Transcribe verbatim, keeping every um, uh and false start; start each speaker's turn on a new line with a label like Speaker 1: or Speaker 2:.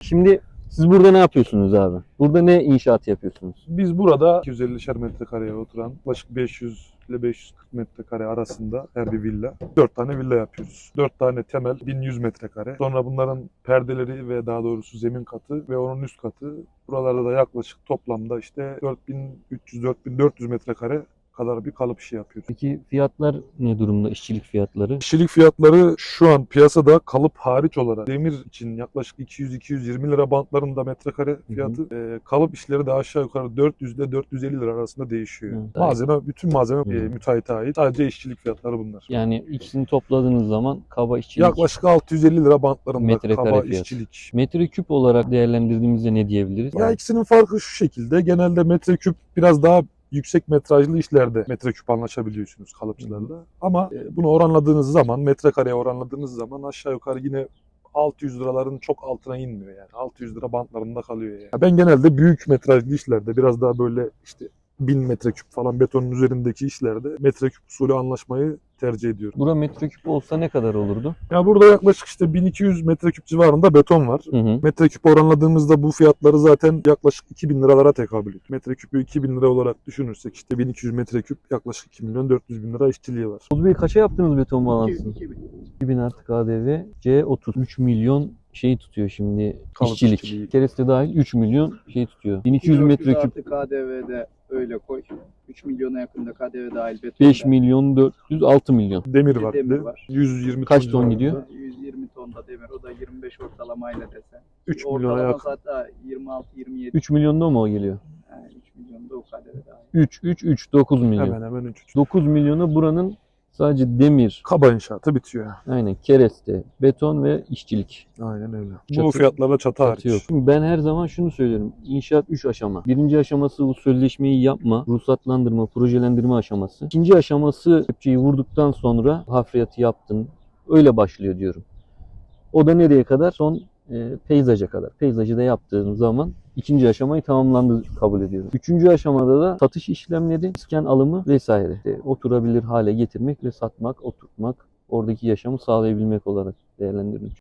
Speaker 1: Şimdi siz burada ne yapıyorsunuz abi? Burada ne inşaat yapıyorsunuz?
Speaker 2: Biz burada iki yüz ellişer metrekareye oturan yaklaşık beş yüz ile beş yüz kırk metrekare arasında her bir villa. dört tane villa yapıyoruz. dört tane temel bin yüz metrekare. Sonra bunların perdeleri ve daha doğrusu zemin katı ve onun üst katı. Buralarda da yaklaşık toplamda işte dört bin üç yüz dört bin dört yüz metrekare kadar bir kalıp işi yapıyoruz.
Speaker 1: Peki fiyatlar ne durumda? İşçilik fiyatları?
Speaker 2: İşçilik fiyatları şu an piyasada kalıp hariç olarak demir için yaklaşık iki yüz iki yüz yirmi lira bantlarında metrekare fiyatı. Hı hı. E, kalıp işleri de aşağı yukarı dört yüz ile dört yüz elli lira arasında değişiyor. Hı. Malzeme, bütün malzeme e, müteahhite ait. Sadece işçilik fiyatları bunlar.
Speaker 1: Yani ikisini topladığınız zaman kaba işçilik.
Speaker 2: Yaklaşık altı yüz elli lira bantlarında
Speaker 1: metrekare
Speaker 2: kaba
Speaker 1: fiyat.
Speaker 2: işçilik.
Speaker 1: Metreküp olarak değerlendirdiğimizde ne diyebiliriz?
Speaker 2: Ya ikisinin farkı şu şekilde. Genelde metreküp biraz daha yüksek metrajlı işlerde metreküp anlaşabiliyorsunuz kalıpçılarla. Hı. Ama bunu oranladığınız zaman, metrekareye oranladığınız zaman aşağı yukarı yine altı yüz liraların çok altına inmiyor yani. altı yüz lira bantlarında kalıyor yani. Ben genelde büyük metrajlı işlerde biraz daha böyle işte bin metreküp falan betonun üzerindeki işlerde metreküp usulü anlaşmayı tercih ediyorum.
Speaker 1: Bura metreküp olsa ne kadar olurdu?
Speaker 2: Ya burada yaklaşık işte bin iki yüz metreküp civarında beton var. Hı hı. Metreküp oranladığımızda bu fiyatları zaten yaklaşık iki bin liralara tekabül ediyor. Metreküpü iki bin lira olarak düşünürsek işte bin iki yüz metreküp yaklaşık iki milyon dört yüz bin lira işçiliği var.
Speaker 1: Oğuz Bey kaça yaptınız beton balansını?
Speaker 3: iki bin.
Speaker 1: iki bin artı K D V, C otuz. üç milyon şey tutuyor şimdi
Speaker 2: kalıp
Speaker 1: işçilik.
Speaker 2: işçiliği.
Speaker 1: Kereste dahil üç milyon şey tutuyor. bin iki yüz metreküp.
Speaker 3: Artı K D V'de öyle koy. üç milyona yakında K D V dahil beton.
Speaker 1: beş milyon dört yüz, altı milyon.
Speaker 2: Demir var.
Speaker 3: Demir
Speaker 2: de.
Speaker 3: var.
Speaker 2: yüz yirmi
Speaker 1: Kaç
Speaker 2: ton,
Speaker 1: ton gidiyor?
Speaker 3: yüz yirmi tonda demir. O da yirmi beş ortalamayla desen.
Speaker 2: üç milyona
Speaker 3: Ortalama
Speaker 2: yakın.
Speaker 3: zaten yirmi altı yirmi yedi.
Speaker 1: üç milyonda mı o geliyor?
Speaker 3: Yani üç milyonda o K D V dahil.
Speaker 1: üç, üç, üç, dokuz milyon.
Speaker 2: Hemen hemen üç.
Speaker 1: dokuz milyona buranın sadece demir,
Speaker 2: Kaba inşaatı bitiyor.
Speaker 1: aynen kereste, beton ve işçilik.
Speaker 2: Aynen öyle.
Speaker 1: Çatı-
Speaker 2: Bu fiyatlarla çatı hariç.
Speaker 1: Çatı yok. Şimdi ben her zaman şunu söylüyorum. İnşaat üç aşama. Birinci aşaması bu sözleşmeyi yapma, ruhsatlandırma, projelendirme aşaması. İkinci aşaması kepçeyi vurduktan sonra hafriyatı yaptın. Öyle başlıyor diyorum. O da nereye kadar? Son e, peyzaja kadar. Peyzajı da yaptığın zaman ikinci aşamayı tamamlandı kabul ediyorum. Üçüncü aşamada da satış işlemleri, iskan alımı vesaire. İşte oturabilir hale getirmek ve satmak, oturtmak, oradaki yaşamı sağlayabilmek olarak değerlendiriyorum.